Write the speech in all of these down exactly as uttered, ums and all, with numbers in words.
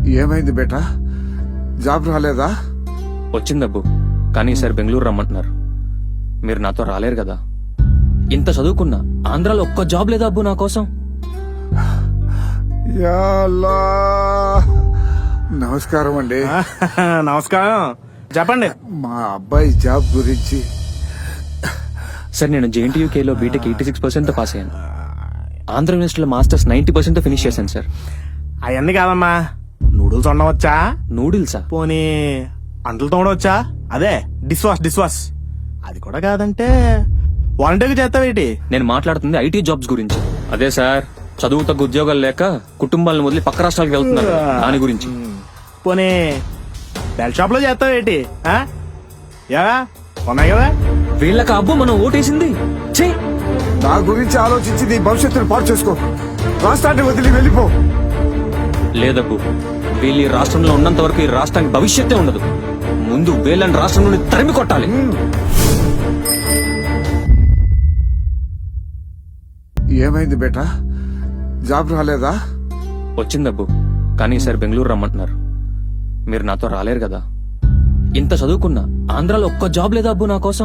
ఏమైంది బేటా? జాబ్ రాలేదా? వచ్చిందబ్బు, కానీ సార్ బెంగళూరు రమ్మంటున్నారు. మీరు నాతో రాలేరు కదా. ఇంత చదువుకున్నా ఆంధ్రాలో ఒక్క జాబ్ లేదా అబ్బు నా కోసం? యా అల్లా. నమస్కారం అండి. నమస్కారం, చెప్పండి. మా అబ్బాయి జాబ్ గురించి. సార్ నేను జేఎన్టీయూకేలో బీటెక్ ఎయిటీ సిక్స్ పర్సెంట్ తో పాస్ అయ్యాను. ఆంధ్ర యూనివర్సిటీలో మాస్టర్స్ నైన్టీ పర్సెంట్ తో ఫినిష్ చేశాను సార్. అవన్నీ కాదమ్మా, నూడిల్స్ వండవచ్చా? నూడిల్సా? పోనీ అంటలు తోడవచ్చా? అదే డిష్ వాష్ డిష్ వాష్ అది కూడా కాదంటే వాలంటీర్గా చేస్తావేటి? నేను మాట్లాడుతుంది ఐటీ జాబ్స్ గురించి. అదే సార్, చదువు తగ్గ ఉద్యోగాలు లేక కుటుంబాలను వదిలి పక్క రాష్ట్రాలకు వెళ్తున్నారు, దాని గురించి. పోనీ బెల్ షాప్ లో చేస్తావేటి? ఆ? యా ఉన్నాయి కదా. వీళ్ళకి అబ్బు మనం ఓటేసింది. ఛీ! నా గురించి ఆలోచించి నీ భవిష్యత్తును పాడు చేసుకో. రాష్ట్రాన్ని వదిలి వెళ్ళిపో. లేదబ్బు, వీళ్ళు ఈ రాష్ట్రంలో ఉన్నంత వరకు ఈ రాష్ట్రానికి భవిష్యత్తే ఉండదు. ముందు వీళ్ళని రాష్ట్రం నుండి తరిమి కొట్టాలి. ఏమైంది బేటా? జాబ్ రాలేదా? వచ్చిందబ్బు, కానీ సార్ బెంగళూరు రమ్మంటున్నారు. మీరు నాతో రాలేరు కదా. ఇంత చదువుకున్నా ఆంధ్రాలో ఒక్క జాబ్ లేదా అబ్బు నా కోసం?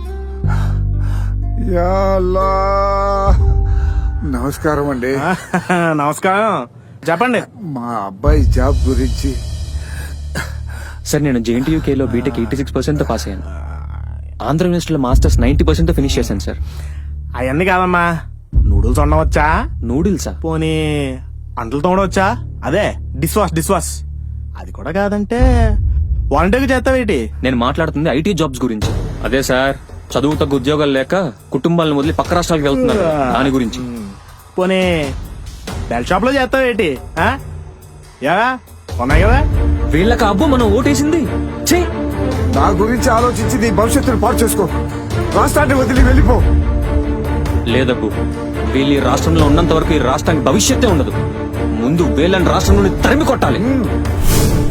యా అల్లా. నమస్కారం అండి. నమస్కారం, చెప్పండి. మా అబ్బాయి జాబ్ గురించి. సార్ నేను జేఎన్టీయూకేలో బీటెక్ ఎయిటీ సిక్స్ పర్సెంట్ తో పాస్ అయ్యాను. ఆంధ్ర యూనివర్సిటీలో మాస్టర్స్ నైన్టీ పర్సెంట్ తో ఫినిష్ చేశాను సార్. అవన్నీ కాదమ్మా, నూడిల్స్ వండవచ్చా? నూడిల్సా? పోనీ అంటలు తోడవచ్చా? అదే డిష్ వాష్ డిష్ వాష్ అది కూడా కాదంటే వాలంటీర్గా చేస్తావేటి? నేను మాట్లాడుతుంది ఐటీ జాబ్స్ గురించి. అదే సార్, చదువు తగ్గ ఉద్యోగాలు లేక కుటుంబాలను వదిలి పక్క రాష్ట్రాలకు వెళ్తున్నారు, దాని గురించి. పోనీ బెల్ షాప్ లో చేస్తావేటి? ఆ? యా ఉన్నాయి కదా. వీళ్ళకి అబ్బు మనం ఓటేసింది. ఛీ! నా గురించి ఆలోచించి నీ భవిష్యత్తును పాడు చేసుకో. రాష్ట్రాన్ని వదిలి వెళ్ళిపో. లేదబ్బు, వీళ్ళు ఈ రాష్ట్రంలో ఉన్నంత వరకు ఈ రాష్ట్రానికి భవిష్యత్తే ఉండదు. ముందు వీళ్ళని రాష్ట్రం నుండి తరిమి కొట్టాలి.